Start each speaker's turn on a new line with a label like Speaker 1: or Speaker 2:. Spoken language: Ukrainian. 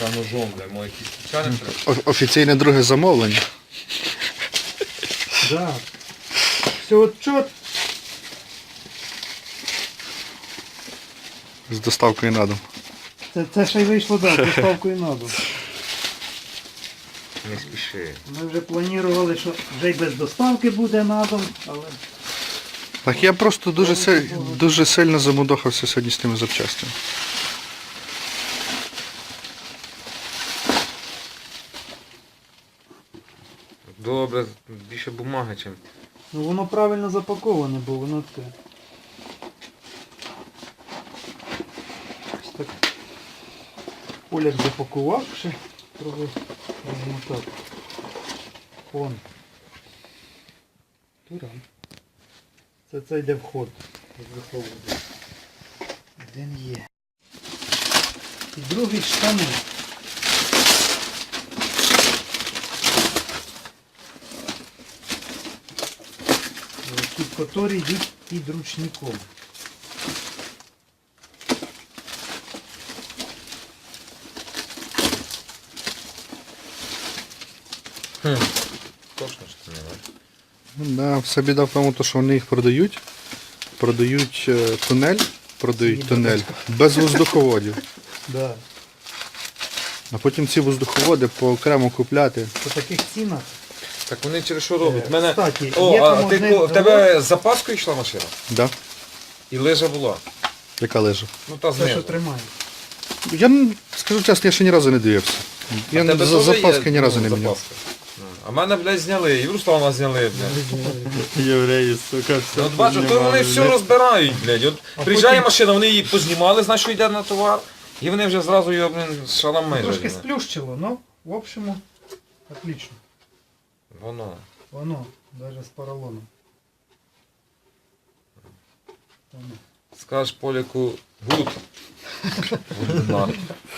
Speaker 1: Та ножом, бля, може якісь спеціальні треба.
Speaker 2: Офіційне друге замовлення.
Speaker 3: Да. Все отчет.
Speaker 2: З доставкою на дом.
Speaker 3: Це ще й вийшло, да, з доставкою на дом.
Speaker 1: Не спіши.
Speaker 3: Ми вже планували, що вже й без доставки буде на дом, але...
Speaker 2: Так я просто дуже сильно замудохався сьогодні з тими запчастями.
Speaker 1: Добре, більше бумаги, чим.
Speaker 3: Ну воно правильно запаковане, бо воно це. Ось так. Оляк запакував ще. Трохи розмотав. Вон. Туран. Це йде вход. Один є. І другий штани. Які йдуть під ручником.
Speaker 1: Точно що не бачиш.
Speaker 2: Да, все біда в тому, що вони їх продають. Продають тунель без воздуховодів.
Speaker 3: Да.
Speaker 2: А потім ці воздуховоди окремо купляти.
Speaker 3: По таких цінах.
Speaker 1: Так вони через що роблять? Мене...
Speaker 3: Кстати,
Speaker 1: О,
Speaker 3: є
Speaker 1: а
Speaker 3: там
Speaker 1: ти,
Speaker 3: один
Speaker 1: в тебе з запаскою йшла машина?
Speaker 2: Да?
Speaker 1: І лижа була?
Speaker 2: Яка лежа?
Speaker 1: Ну та
Speaker 3: Те, що
Speaker 1: знизу.
Speaker 3: тримає.
Speaker 2: Я скажу чесно, я ще ні разу не дивився. Я
Speaker 1: Тебе
Speaker 2: за
Speaker 1: теж є,
Speaker 2: запаски ні разу
Speaker 1: ну,
Speaker 2: не міняв.
Speaker 1: запаска? А мене, блядь, зняли, і в Руслана зняли, блядь.
Speaker 4: Євреї, сука, все.
Speaker 1: Ну, от бачу, то вони все розбирають, блядь. От приїжджає машина, вони її познімали, значить, що йде на товар, і вони вже зразу його, блін, шалами.
Speaker 3: Трошки сплющило, но в общем, отлично.
Speaker 1: Воно.
Speaker 3: Воно, даже з поролоном. Воно.
Speaker 1: Скажеш Поляку, гуд. Гуд,